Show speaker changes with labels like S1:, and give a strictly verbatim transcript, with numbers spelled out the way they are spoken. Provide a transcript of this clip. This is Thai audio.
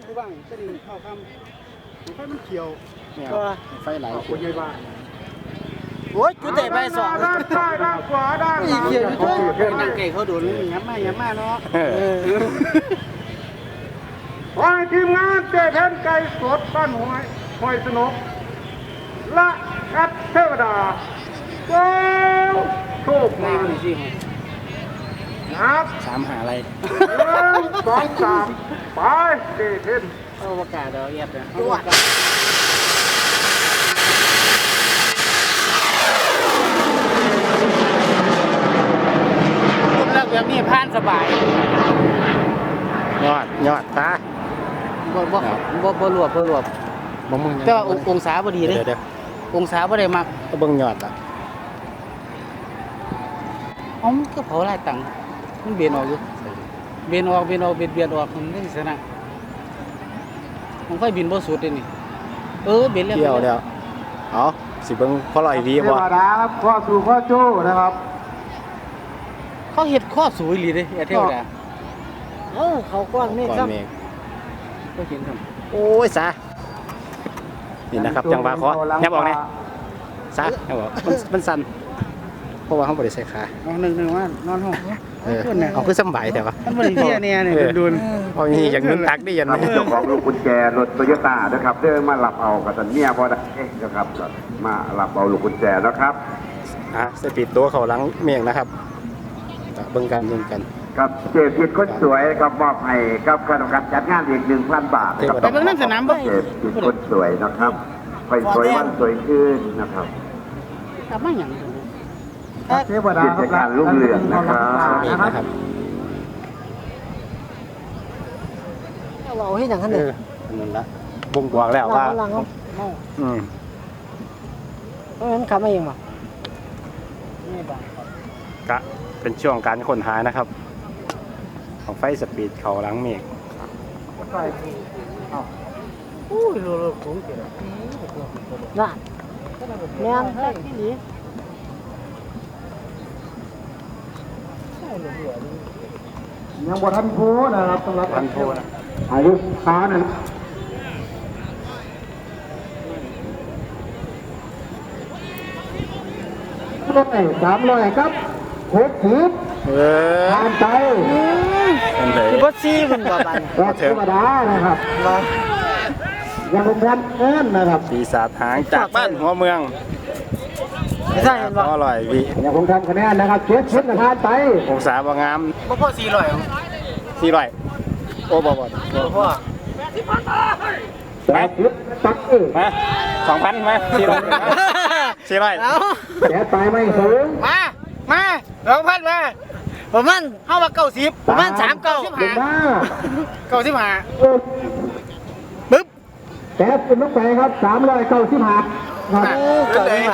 S1: ผู้บ้างเส้นเข้าคำไฟมันเขียว
S2: เนี่ยไฟไหลคนใหญ่บ้าน
S3: โอ้ยจุดเตะไปสอง
S1: ด้านซ้ายด้านขวาด้านหลัง
S3: เขียวด้วยนั่งเก่เขาดูนี่ย้ำมาย้ำมาเนาะ
S1: ขอให้ทีมงานเจ๊แทนไก่สดบ้านหอยหอยสนุกและแอดเทวดาโก้โชค
S3: ใน
S1: มา
S3: มันสิ
S1: นับ
S2: สามหาอะไร
S1: หนึ่งสองสามไปเจ๊เทน
S3: เอาประกาศเดี๋ยวเอียดเนี่ยรูปลักษณ์แบบนี้ผ่านสบาย
S2: ยอดยอดตา
S3: บ่บ่บ่บ่รวบบ่รวบ
S2: บ่มึง
S3: แต่ว่าองศาบ่ดีเด้
S2: เดี๋ยวเดี๋ยว
S3: องศาบ่ได้มัก
S2: ก็เบิ่งยอดอ่ะ
S3: อ๋อมันก็เผาหลายตังค์มันเบียนออกอยู่เบียนออกเบียนออกเบียนเบียนออกมันได้ชนะมันค่อยบินบ่สุดเด้นี่เออเบียนแล้ว
S2: เที่ยวแล้วเอาสิเบิ่งพอลอยวี
S1: เท
S2: บ่
S1: วดาครับข้อสู่ข้อโจ้นะครับ
S3: เขาเฮ็ดข้อสูงอีหลีเด้ไอ้เทวดา
S4: เอ้าเขากว้างนี่
S2: ก่อน
S4: ครับ
S2: เมฆ
S3: ก็เห็นครับ
S2: โอ้ยซะนี่นะครับจังหวะเคาะยับออกเนี่ยซะยับออกมันมันสั่นเพราะว่าเขาบ่ได้ใส่ขา
S3: เอาหนึ่งๆว่านอนห้อง
S2: เออเอาคือสำบายแต่ว่า
S3: มันบ่ได้เหี้ยเนี่ยนี่ดุน
S2: เอาอย่างนี้อย่างนึงตักได้ยัน
S5: ครับเจ้าของลูกกุญแจรถโตโยต้านะครับเดินมาหลับเอากับสันเมียพอได้นะครับมาหลับเอาลูกกุญแจนะครับ
S2: อ่ะสปีดตัวเขาหลังเมียงนะครับเบิ่งกันเบิ่งกัน
S5: กับเจพิดคนสวยครับมอบให้กับคณะกรรมการจัดงานอีกหนึ่งพันบาทนะครับ
S3: ไปเบิ่งน้ำสนามบ่
S5: เจพิดคนสวยนะครับไปสวยวันสวยคืนนะครับ
S3: กลับมาหยัง
S1: เทวดา
S5: กิจการรุ่งเรืองนะครับ
S2: เองนะครับ
S4: เราเอาให้หนังขัน
S2: เอ
S4: เด็
S2: อนั่นละบ่งบอกแล้วว่า
S4: หลังเขา
S2: อืม
S4: เพราะฉะนั้นขับมาเองป่ะ
S2: กะเป็นช่วงการค้นหานะครับ ของไฟสปีดเขาหลังเมฆ
S3: อู้ยโลโลผมเกิด
S4: น่ะแม่นแท้ที่นี่
S1: ยังบทันโพนะครับสำหรับ
S2: พันโพนะ
S1: อายุขาหนึ่งร้อยสามร้อยครับหกสิบ
S2: เออ
S1: ผ่านไป
S2: เป็นเลย
S4: คือบ่ซี่มันบ่บัน
S1: ก็ธรรมดานะครับยังเป็นแพนเอิ้นนะครับ
S2: ปีศาจหางจากบ้านหัวเมือง
S4: ไม่ใช่มันบ่
S2: อร่อยวิ
S1: ยังคงทำคะแนนนะครับเจ็ดชุดนะผ่านไป
S2: องศาบ่งาม
S3: บ่พอสี่ร้อย
S2: สี่ร้อยโอ้บ่บ่
S3: บ่พอ
S1: แปดชุดตักเออ
S2: มาสองพันมาสี่ร้อยสี่ร้อย
S3: เอา
S1: แปดไปไม่สูง
S3: มามาสองพันมาประมาณเฮาว่าเก้าสิบประมาณสามเก้าสิบ
S1: ลง
S3: ห้า
S1: มา
S3: เก้าสิบห้า
S1: เออ
S3: ปึ๊บ
S1: แปดเป็นลูกไปครับสามร้อยเก้าสิบห้าครับ
S3: เก้าสิบห้า